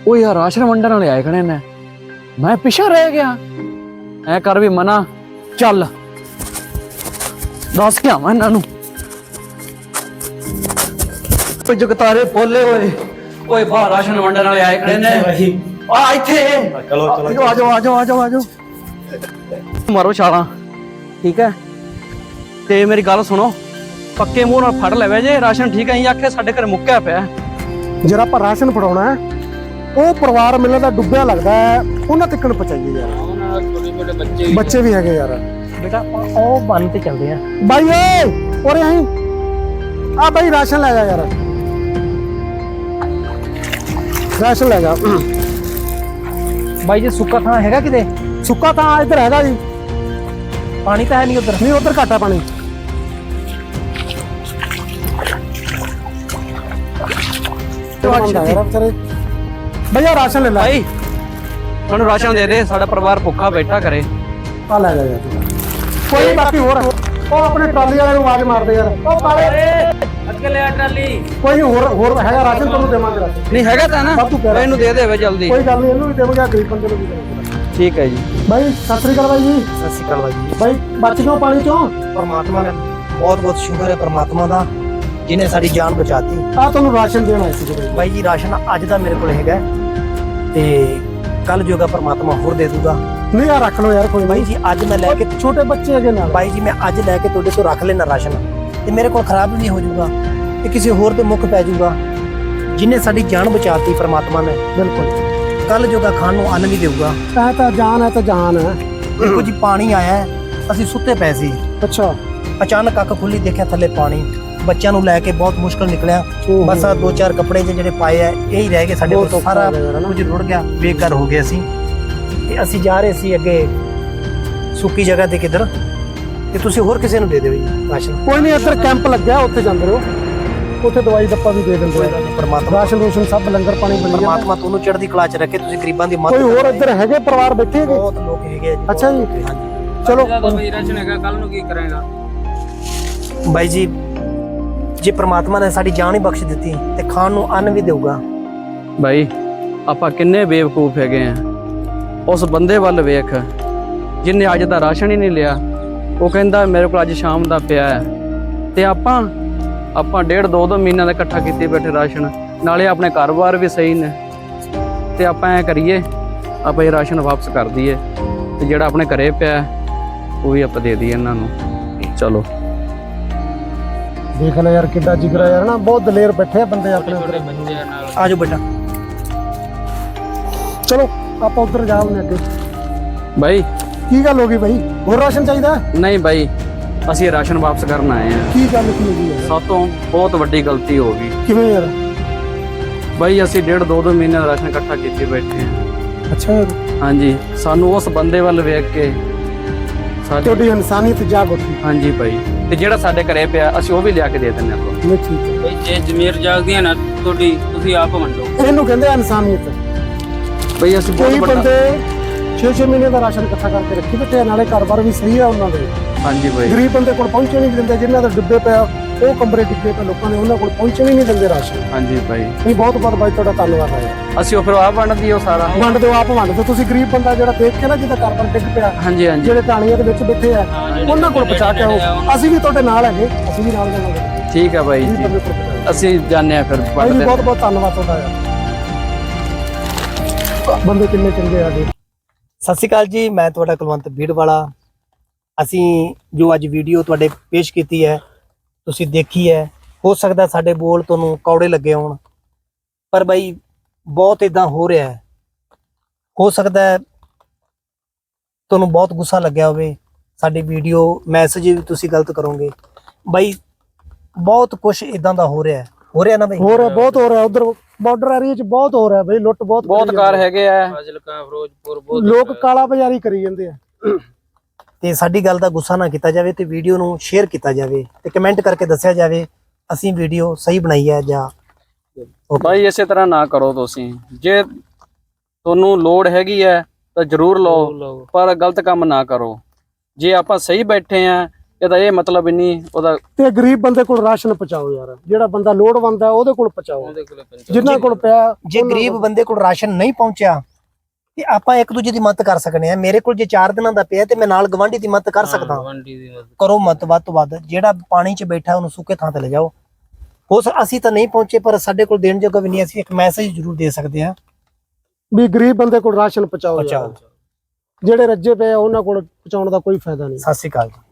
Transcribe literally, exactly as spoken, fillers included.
ਉਹ ਯਾਰ ਰਾਸ਼ਨ ਵੰਡਣ ਵਾਲੇ ਆਏ ਖੜੇ ਨੇ, ਮੈਂ ਪਿੱਛੇ ਰਹਿ ਗਿਆ। ਐ ਕਰ ਵੀ ਮਨਾ, ਚੱਲ ਦੱਸ ਕੇ ਆਵਾਂ ਇਹਨਾਂ ਨੂੰ। ਕੋਈ ਜਗਤਾਰੇ ਬੋਲੇ ਹੋਏ, ਓਏ ਬਾਹਰ ਰਾਸ਼ਨ ਵੰਡਣ ਵਾਲੇ ਆਏ ਖੜੇ ਨੇ। ਆ ਇੱਥੇ ਚਲੋ ਚਲੋ ਆ ਜਾਓ ਆ ਜਾਓ ਆ ਜਾਓ ਆ ਜਾਓ, ਮਾਰੋ ਛਾਲਾਂ, ਠੀਕ ਹੈ। ਤੇ ਮੇਰੀ ਗੱਲ ਸੁਣੋ, ਪੱਕੇ ਮੂੰਹ ਨਾਲ ਫੜ ਲੈਵੇ ਜੇ ਰਾਸ਼ਨ, ਠੀਕ ਹੈ। ਅਸੀਂ ਆਖੇ ਸਾਡੇ ਘਰ ਮੁੱਕਿਆ ਪਿਆ। ਜਿਹੜਾ ਆਪਾਂ ਰਾਸ਼ਨ ਫੜਾਉਣਾ ਹੈ ਉਹ ਪਰਿਵਾਰ ਮਿਲਣ ਦਾ ਡੁੱਬਿਆ ਲੱਗਦਾ ਹੈ, ਉਹਨਾਂ ਤੱਕ ਨੂੰ ਪਹੁੰਚਾਈਏ ਯਾਰ। ਉਹਨਾਂ ਛੋਟੇ ਛੋਟੇ ਬੱਚੇ ਬੱਚੇ ਵੀ ਹੈਗੇ ਯਾਰ। ਬੇਟਾ ਉਹ ਬੰਨ ਤੇ ਚੱਲਦੇ ਆ ਬਾਈ ਓਏ, ਉਰੇ ਆਈ ਆ ਬਾਈ, ਰਾਸ਼ਨ ਲੈ ਜਾ ਯਾਰ, ਰਾਸ਼ਨ ਲੈ ਜਾ। ਬਾਈ ਜੀ ਸੁੱਕਾ ਥਾਂ ਹੈਗਾ ਕਿਤੇ? ਸੁੱਕਾ ਥਾਂ ਇੱਧਰ ਹੈਗਾ ਜੀ, ਪਾਣੀ ਤਾਂ ਹੈ ਨਹੀਂ ਉਧਰ? ਨਹੀਂ ਉਧਰ ਘੱਟ ਆ ਪਾਣੀ। ਭਈਆ ਰਾਸ਼ਨ ਲੈ ਲੈ ਭਾਈ, ਸਾਨੂੰ ਰਾਸ਼ਨ ਦੇ ਦੇ, ਸਾਡਾ ਪਰਿਵਾਰ ਭੁੱਖਾ ਬੈਠਾ ਕਰੇ। ਆ ਲੈ ਜਾ ਯਾਰ। ਕੋਈ ਬਾਕੀ ਹੋਰ ਉਹ ਆਪਣੇ ਟਰਾਲੀ ਵਾਲੇ ਨੂੰ ਆਵਾਜ਼ ਮਾਰਦੇ ਯਾਰ, ਉਹ ਕਾਲੇ ਅੱਗੇ ਲੈ ਟਰਾਲੀ। ਕੋਈ ਹੋਰ ਹੋਰ ਹੈਗਾ ਰਾਸ਼ਨ, ਤੁਹਾਨੂੰ ਦੇਵਾਂਗੇ ਰਾਸ਼ਨ। ਨਹੀਂ ਹੈਗਾ ਤਾਂ ਨਾ, ਇਹਨੂੰ ਦੇ ਦੇਵੇ ਜਲਦੀ। ਕੋਈ ਗੱਲ ਨਹੀਂ, ਇਹਨੂੰ ਵੀ ਦੇਵਾਂਗੇ, ਗਰੀਬ ਬੰਦੇ ਨੂੰ ਵੀ ਦੇਵਾਂਗੇ। ਠੀਕ ਹੈ ਜੀ। ਬਾਈ ਸਤਿ ਸ੍ਰੀ ਅਕਾਲ ਬਾਈ ਜੀ। ਸਤਿ ਸ਼੍ਰੀ ਅਕਾਲ ਬਾਈ ਜੀ। ਬਾਈ ਬਚ ਗਏ ਪਾਣੀ ਚੋਂ? ਪਰਮਾਤਮਾ ਦਾ ਬਹੁਤ ਬਹੁਤ ਸ਼ੁਕਰ ਹੈ, ਪਰਮਾਤਮਾ ਦਾ ਜਿਹਨੇ ਸਾਡੀ ਜਾਨ ਬਚਾਤੀ। ਆ ਤੁਹਾਨੂੰ ਰਾਸ਼ਨ ਦੇਣ ਆਏ ਸੀ ਬਾਈ ਜੀ। ਰਾਸ਼ਨ ਅੱਜ ਦਾ ਮੇਰੇ ਕੋਲ ਹੈਗਾ ਤੇ ਕੱਲ ਜੋਗਾ ਪਰਮਾਤਮਾ ਹੋਰ ਦੇ ਦੂਗਾ। ਨਹੀਂ ਆ ਰੱਖ ਲਓ ਯਾਰ, ਕੋਈ ਬਾਈ ਜੀ ਅੱਜ ਮੈਂ ਲੈ ਕੇ, ਛੋਟੇ ਬੱਚੇ ਹੈਗੇ ਨਾਲ। ਬਾਈ ਜੀ ਮੈਂ ਅੱਜ ਲੈ ਕੇ ਤੁਹਾਡੇ ਤੋਂ ਰੱਖ ਲੈਣਾ ਰਾਸ਼ਨ, ਤੇ ਮੇਰੇ ਕੋਲ ਖਰਾਬ ਵੀ ਨਹੀਂ ਹੋ ਜਾਊਗਾ, ਤੇ ਕਿਸੇ ਹੋਰ ਤੇ ਮੁੱਖ ਪੈ ਜਾਊਗਾ। ਜਿਹਨੇ ਸਾਡੀ ਜਾਨ ਬਚਾਤੀ ਪਰਮਾਤਮਾ ਨੇ, ਬਿਲਕੁਲ ਕੱਲ ਜੋਗਾ ਖਾਣ ਨੂੰ ਅੰਨ ਵੀ ਦੇਊਗਾ। ਇਹ ਤਾਂ ਜਾਨ ਹੈ, ਤਾਂ ਜਾਨ ਹੈ। ਦੇਖੋ ਜੀ ਪਾਣੀ ਆਇਆ ਹੈ, ਅਸੀਂ ਸੁੱਤੇ ਪਏ ਸੀ, ਅੱਛਾ ਅਚਾਨਕ ਅੱਖ ਖੁੱਲੀ, ਦੇਖਿਆ ਥੱਲੇ ਪਾਣੀ। ਬੱਚਿਆਂ ਨੂੰ ਲੈ ਕੇ ਬਹੁਤ ਮੁਸ਼ਕਲ ਨਿਕਲਿਆ। ਬਸ ਆ ਦੋ ਚਾਰ ਕੱਪੜੇ ਜਿਹੜੇ ਪਾਏ ਆ ਇਹ ਹੀ ਰਹਿ ਗਏ ਸਾਡੇ ਕੋਲ, ਸਾਰਾ ਕੁਝ ਰੁੜ ਗਿਆ, ਬੇਕਾਰ ਹੋ ਗਿਆ ਸੀ। ਤੇ ਅਸੀਂ ਜਾ ਰਹੇ ਸੀ ਅੱਗੇ ਸੁੱਕੀ ਜਗ੍ਹਾ ਤੇ ਕਿਧਰ, ਤੇ ਤੁਸੀਂ ਹੋਰ ਕਿਸੇ ਨੂੰ ਦੇ ਦਿਓ ਜੀ ਰਾਸ਼ਨ। ਕੋਈ ਨਹੀਂ, ਇੱਧਰ ਕੈਂਪ ਲੱਗਿਆ, ਉੱਥੇ ਜਾਂਦੇ ਰਹੋ, ਉੱਥੇ ਦਵਾਈ ਦੱਪਾ ਵੀ ਦੇ ਦਿੰਦੇ ਆ। ਪਰਮਾਤਮਾ ਰਾਸ਼ਨ ਰੋਸ਼ਨ ਸਭ ਲੰਗਰ ਪਾਣੀ ਬਣ ਗਿਆ। ਪਰਮਾਤਮਾ ਤੁਹਾਨੂੰ ਚੜ੍ਹਦੀ ਕਲਾ ਚ ਰੱਖੇ, ਤੁਸੀਂ ਗਰੀਬਾਂ ਦੀ ਮਦਦ। ਕੋਈ ਹੋਰ ਇੱਧਰ ਹੈਗੇ ਪਰਿਵਾਰ ਬੈਠੇ ਹੈਗੇ? ਬਹੁਤ ਲੋਕ ਹੈਗੇ ਜੀ। ਅੱਛਾ ਜੀ, ਹਾਂਜੀ ਚਲੋ। ਰਾਸ਼ਨ ਹੈਗਾ, ਕੱਲ ਨੂੰ ਕੀ ਕਰਾਂਗਾ? ਬਾਈ ਜੀ ਜੇ ਪ੍ਰਮਾਤਮਾ ਨੇ ਸਾਡੀ ਜਾਨ ਹੀ ਬਖਸ਼ ਦਿੱਤੀ ਤੇ ਖਾਣ ਨੂੰ ਅੰਨ ਵੀ ਦੇਊਗਾ। ਭਾਈ ਆਪਾਂ ਕਿੰਨੇ ਬੇਵਕੂਫ ਹੈਗੇ ਆ। ਉਸ ਬੰਦੇ ਵੱਲ ਵੇਖ ਜਿੰਨੇ ਅੱਜ ਦਾ ਰਾਸ਼ਨ ਹੀ ਨਹੀਂ ਲਿਆ। ਉਹ ਕਹਿੰਦਾ ਮੇਰੇ ਕੋਲ ਅੱਜ ਸ਼ਾਮ ਦਾ ਪਿਆ ਹੈ, ਤੇ ਆਪਾਂ ਆਪਾਂ ਡੇਢ ਦੋ ਦੋ ਮਹੀਨਿਆਂ ਦਾ ਇਕੱਠਾ ਕੀਤੇ ਬੈਠੇ ਰਾਸ਼ਨ, ਨਾਲੇ ਆਪਣੇ ਘਰ-ਬਾਰ ਵੀ ਸਹੀ ਨੇ। ਤੇ ਆਪਾਂ ਐ ਕਰੀਏ, ਆਪਾਂ ਇਹ ਰਾਸ਼ਨ ਵਾਪਸ ਕਰ ਦਈਏ, ਤੇ ਜਿਹੜਾ ਆਪਣੇ ਘਰੇ ਪਿਆ ਉਹ ਵੀ ਆਪਾਂ ਦੇ ਦਈਏ ਇਹਨਾਂ ਨੂੰ। ਚਲੋ ਦੇਖ ਲੈ ਯਾਰ ਕਿੱਡਾ ਜਿਗਰਾ ਯਾਰ ਨਾ, ਬਹੁਤ ਦਲੇਰ ਬੈਠੇ ਆ ਬੰਦੇ ਆਪਣੇ ਉੱਧਰ। ਆ ਜਾਓ ਬੇਟਾ, ਚਲੋ ਆਪਾਂ ਉੱਧਰ ਜਾਵਾਂਗੇ ਅੱਗੇ। ਭਾਈ ਕੀ ਗੱਲ ਹੋ ਗਈ ਬਾਈ, ਹੋਰ ਰਾਸ਼ਨ ਚਾਹੀਦਾ? ਨਹੀਂ ਭਾਈ, ਅਸੀਂ ਇਹ ਰਾਸ਼ਨ ਵਾਪਸ ਕਰਨ ਆਏ ਆ। ਕੀ ਗੱਲ ਕੀ ਹੋਈ ਯਾਰ? ਸਭ ਤੋਂ ਬਹੁਤ ਵੱਡੀ ਗਲਤੀ ਹੋ ਗਈ। ਕਿਵੇਂ ਯਾਰ? ਭਾਈ ਅਸੀਂ ਡੇਢ ਦੋ ਦੋ ਮਹੀਨੇ ਦਾ ਰਾਸ਼ਨ ਇਕੱਠਾ ਕੀਤੇ ਬੈਠੇ ਆ। ਅੱਛਾ ਯਾਰ, ਹਾਂਜੀ, ਸਾਨੂੰ ਉਸ ਬੰਦੇ ਵੱਲ ਵੇਖ ਕੇ ਸਾਡੀ ਤੁਹਾਡੀ ਇਨਸਾਨੀਅਤ ਜਾਗ ਉੱਠੀ। ਹਾਂਜੀ ਭਾਈ, ਤੇ ਜਿਹੜਾ ਸਾਡੇ ਘਰੇ ਪਿਆ ਅਸੀਂ ਉਹ ਵੀ ਲਿਆ ਕੇ ਦੇ ਦਿੰਦੇ ਆਪਾਂ। ਨਹੀਂ ਠੀਕ ਹੈ ਬਈ, ਜੇ ਜ਼ਮੀਰ ਜਾਗਦੀ ਹੈ ਨਾ ਤੁਹਾਡੀ, ਤੁਸੀਂ ਆਪ ਵੰਡੋ। ਇਹਨੂੰ ਕਹਿੰਦੇ ਆ ਇਨਸਾਨੀਅਤ। ਭਾਈ ਅਸੀਂ ਕਈ ਬਹੁਤ ਬੰਦੇ ਵੱਡਾ ਛੇ ਛੇ ਮਹੀਨੇ ਦਾ ਰਾਸ਼ਨ ਇਕੱਠਾ ਕਰਕੇ ਰੱਖੀ ਬੈਠੇ, ਨਾਲੇ ਘਰ-ਬਾਰ ਵੀ ਸਹੀ ਆ ਉਹਨਾਂ ਦੇ। ਹਾਂਜੀ ਭਾਈ, ਗਰੀਬ ਬੰਦੇ ਕੋਲ ਪਹੁੰਚੇ ਨਹੀਂ ਦਿੰਦੇ, ਜਿਨ੍ਹਾਂ ਦੇ ਡੁੱਬੇ ਪਿਆ ਉਹ ਕਮਰੇ ਡਿੱਗੇ ਪਏ ਲੋਕਾਂ ਨੇ, ਉਹਨਾਂ ਕੋਲ ਪਹੁੰਚੇ ਨਹੀਂ ਦਿੰਦੇ ਰਾਸ਼ਨ। ਹਾਂਜੀ ਭਾਈ, ਨਹੀਂ ਬਹੁਤ ਬਹੁਤ ਬਾਈ ਤੁਹਾਡਾ ਧੰਨਵਾਦ ਹੈ। ਅਸੀਂ ਉਹ ਫਿਰ ਆਪ ਵੰਡਦੀ ਉਹ ਸਾਰਾ। ਵੰਡ ਦਿਓ, ਆਪ ਵੰਡ ਦਿਓ। ਤੁਸੀਂ ਗਰੀਬ ਬੰਦਾ ਜਿਹੜਾ ਦੇਖ ਕੇ ਨਾ, ਜਿਹਦਾ ਘਰ-ਬਾਰ ਡਿੱਗ ਪਿਆ, ਹਾਂਜੀ ਹਾਂਜੀ ਜਿਹੜੇ ਟਾਣੀਆਂ ਦੇ ਵਿੱਚ ਬੈਠੇ ਆ, ਉਹਨਾਂ ਕੋਲ ਪਹੁੰਚਾ ਕੇ ਆਓ। ਅਸੀਂ ਵੀ ਤੁਹਾਡੇ ਨਾਲ ਹੈਗੇ, ਅਸੀਂ ਵੀ ਨਾਲ ਜਾਵਾਂਗੇ। ਠੀਕ ਹੈ ਭਾਈ ਜੀ, ਅਸੀਂ ਜਾਂਦੇ ਆ ਫਿਰ ਭਾਈ ਵੰਡਦੇ। ਬਹੁਤ ਬਹੁਤ ਧੰਨਵਾਦ ਤੁਹਾਡਾ ਯਾਰ, ਬੰਦੇ ਕਿੰਨੇ ਚੰਗੇ ਆ ਜੀ। ਸਤਿ ਸ਼੍ਰੀ ਅਕਾਲ ਜੀ, ਮੈਂ ਤੁਹਾਡਾ ਕੁਲਵੰਤ ਭੀੜਵਾਲਾ। ਅਸੀਂ ਜੋ ਅੱਜ ਵੀਡੀਓ ਤੁਹਾਡੇ ਪੇਸ਼ ਕੀਤੀ ਹੈ, ਤੁਸੀਂ ਦੇਖੀ ਹੈ, ਹੋ ਸਕਦਾ ਸਾਡੇ ਬੋਲ ਤੁਹਾਨੂੰ ਕੌੜੇ ਲੱਗੇ ਹੋਣ, ਪਰ ਬਾਈ ਬਹੁਤ ਇਦਾਂ ਹੋ ਰਿਹਾ ਹੈ। ਹੋ ਸਕਦਾ ਹੈ ਤੁਹਾਨੂੰ ਬਹੁਤ ਗੁੱਸਾ ਲੱਗਿਆ ਹੋਵੇ, ਸਾਡੀ ਵੀਡੀਓ ਮੈਸੇਜ ਵੀ ਤੁਸੀਂ ਗਲਤ ਕਰੋਗੇ। ਬਾਈ ਬਹੁਤ ਕੁਝ ਇਦਾਂ ਦਾ ਹੋ ਰਿਹਾ ਹੈ, ਹੋ ਰਿਹਾ ਨਾ ਬਾਈ? ਹੋ ਰਿਹਾ, ਬਹੁਤ ਹੋ ਰਿਹਾ। ਉਧਰ ਬਾਰਡਰ ਏਰੀਆ 'ਚ ਬਹੁਤ ਹੋ ਰਿਹਾ ਬਈ, ਲੁੱਟ ਬਹੁਤ ਬਹੁਤ ਕਾਰ ਹੈਗੇ ਆ। ਫਾਜ਼ਿਲਕਾ, ਫਿਰੋਜ਼ਪੁਰ, ਬਹੁਤ ਲੋਕ ਕਾਲਾ ਬਾਜ਼ਾਰੀ ਕਰੀ ਜਾਂਦੇ ਆ। ਤੇ ਸਾਡੀ ਗੱਲ ਦਾ ਗੁੱਸਾ ਨਾ ਕੀਤਾ ਜਾਵੇ, ਤੇ ਵੀਡੀਓ ਨੂੰ ਸ਼ੇਅਰ ਕੀਤਾ ਜਾਵੇ, ਤੇ ਕਮੈਂਟ ਕਰਕੇ ਦੱਸਿਆ ਜਾਵੇ ਅਸੀਂ ਵੀਡੀਓ ਸਹੀ ਬਣਾਈ ਹੈ ਜਾਂ। ਭਾਈ ਇਸੇ ਤਰ੍ਹਾਂ ਨਾ ਕਰੋ ਤੁਸੀਂ। ਜੇ ਤੁਹਾਨੂੰ ਲੋੜ ਹੈਗੀ ਹੈ ਤਾਂ ਜ਼ਰੂਰ ਲਓ, ਪਰ ਗਲਤ ਕੰਮ ਨਾ ਕਰੋ। ਜੇ ਆਪਾਂ ਸਹੀ ਬੈਠੇ ਆ ਇਹਦਾ ਇਹ ਮਤਲਬ ਹੀ ਨਹੀਂ ਉਹਦਾ। ਤੇ ਗਰੀਬ ਬੰਦੇ ਕੋਲ ਰਾਸ਼ਨ ਪਹੁੰਚਾਓ ਯਾਰ, ਜਿਹੜਾ ਬੰਦਾ ਲੋੜਵੰਦ ਹੈ ਉਹਦੇ ਕੋਲ ਪਹੁੰਚਾਓ, ਉਹਦੇ ਕੋਲੇ ਪੰਜ ਜਿਨ੍ਹਾਂ ਕੋਲ ਪਿਆ। ਜੇ ਗਰੀਬ ਬੰਦੇ ਕੋਲ ਰਾਸ਼ਨ ਨਹੀਂ ਪਹੁੰਚਿਆ ਤੇ ਆਪਾਂ ਇੱਕ ਦੂਜੇ ਦੀ ਮਦਦ ਕਰ ਸਕਨੇ ਆ। ਮੇਰੇ ਕੋਲ ਜੇ ਚਾਰ ਦਿਨਾਂ ਦਾ ਪਿਆ ਤੇ ਮੈਂ ਨਾਲ ਗਵਾਂਢੀ ਦੀ ਮਦਦ ਕਰ ਸਕਦਾ ਹਾਂ। ਗਵਾਂਢੀ ਦੀ ਮਦਦ ਕਰੋ ਮਤ ਵੱਧ ਤੋਂ ਵੱਧ। ਜਿਹੜਾ ਪਾਣੀ 'ਚ ਬੈਠਾ ਉਹਨੂੰ ਸੁੱਕੇ ਥਾਂ ਤੇ ਲੈ ਜਾਓ। ਹੋ ਸਕ ਅਸੀਂ ਤਾਂ ਨਹੀਂ ਪਹੁੰਚੇ, ਪਰ ਸਾਡੇ ਕੋਲ ਦੇਣ ਜੋਗਾ ਵੀ ਨਹੀਂ, ਅਸੀਂ ਇੱਕ ਮੈਸੇਜ ਜ਼ਰੂਰ ਦੇ ਸਕਦੇ ਹਾਂ। ਵੀ ਗਰੀਬ ਬੰਦੇ ਕੋਲ ਰਾਸ਼ਨ ਪਹੁੰਚਾਓ ਯਾਰ। ਪਹੁੰਚਾਓ। ਜਿਹੜੇ ਰੱਜੇ ਪਏ ਆ ਉਹਨਾਂ ਕੋਲ ਪਹੁੰਚਾਉਣ ਦਾ ਕੋਈ ਫਾਇਦਾ ਨਹੀਂ। ਸਤਿ ਸ਼੍ਰੀ ਅਕਾਲ ਜੀ।